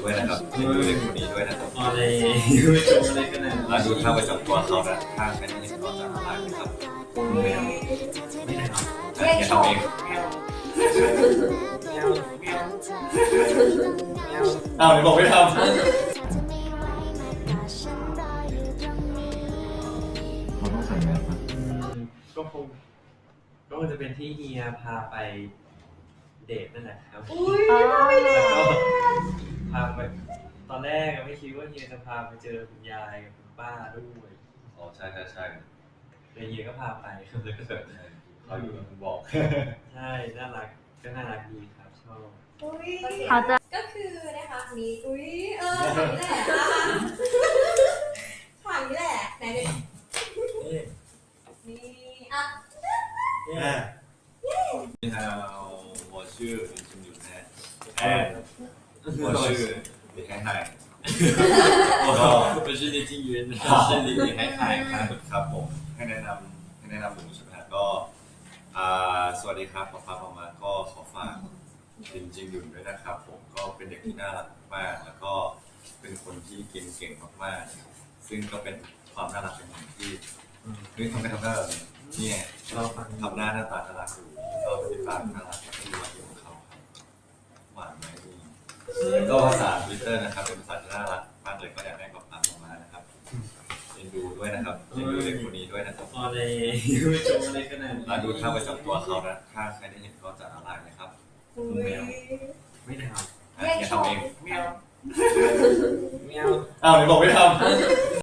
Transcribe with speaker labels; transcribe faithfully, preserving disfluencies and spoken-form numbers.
Speaker 1: ด้วยนะครับดูเด็กคนนี้ด้วยนะครับ
Speaker 2: อะไรไม่จบอะไรขนาดนั้น
Speaker 1: แล้วดูท่าประจำตัวเขานะท่าใครที่เห็นก็จะละลายนะครับ
Speaker 2: ไม่เอาไม่ทำ
Speaker 1: แค่ทำเอง
Speaker 2: ไม่เอาไม่เอาไม่เอา
Speaker 1: อ้าวไหนบอกไม่ทำ
Speaker 3: เราต้องใส่แมสนะ
Speaker 2: ก็คงก็คงจะเป็นที่เฮียพาไปเดทนั่นแหละครับ
Speaker 4: อุ้ยไม่ได้
Speaker 2: แล้วก็พาไปตอนแรกไม่คิดว่าเฮียจะพาไปเจอคุณยายกับคุณป้าด้วย
Speaker 1: อ๋อใช่ใช่ใช่
Speaker 2: แต่เฮียก็พาไปครับแล้วก็แบบ
Speaker 1: เขาอยู่กับคุณบอก
Speaker 2: ใช่น่ารักก็น่ารักดีครับชอบ
Speaker 4: อุ้ย
Speaker 5: เขาจะ
Speaker 4: ก็คือนะคะมีอุ้ยเออฉากนี้แหละอ่ะฉากนี้แหละไหนเด็ก
Speaker 2: นี่
Speaker 4: นี่อ่ะ
Speaker 2: นี่
Speaker 1: 你好，我是林俊宇呢。哎，我是李海海。ก็
Speaker 2: 不是你金云
Speaker 1: ชื่อลิลิให้ถ่ายครับครับผมให้แนะนำให้แนะนำผมใช่ไหมครับก็อ่าสวัสดีครับป๊าป๊ามามาก็ขอฝากลินจิงหยุนด้วยนะครับผมก็เป็นเด็กที่น่ารักมากแล้วก็เป็นคนที่กินเก่งมากๆซึ่งก็เป็นความน่ารักอย่างหนึ่งที่เฮ้ยทำไมทำหน้าแบบนี้เนี่ย
Speaker 2: เราฟัง
Speaker 1: ทำหน้าหน้าตาน่ารักอยู่ก็เป็นปากน่ารักแล้วก็มีรอยยิ้มของเขาครับหวานไหมดีแล้วก็ภาษาทวิตเตอร์นะครับเป็นภาษาที่น่ารักมากเลยก็อยากให้ป๊าป๊ามามานะครับเอ็นดูด้วยนะครับเอ็นดูเด็กคนนี้ด้วยนะครับ
Speaker 2: อะไรไม่จบอะไรขนาดนั้น
Speaker 1: แล้วดูท่าประจำตัวเขานะถ้าใครได้เห็นก็จะละลายนะครับ
Speaker 4: อุ้ย
Speaker 2: ไม่ทำ
Speaker 1: อ่ะแค่ทำเอง
Speaker 2: ไม่เอาไม่เอา
Speaker 1: อ้าวไหนบอกไม่ทำ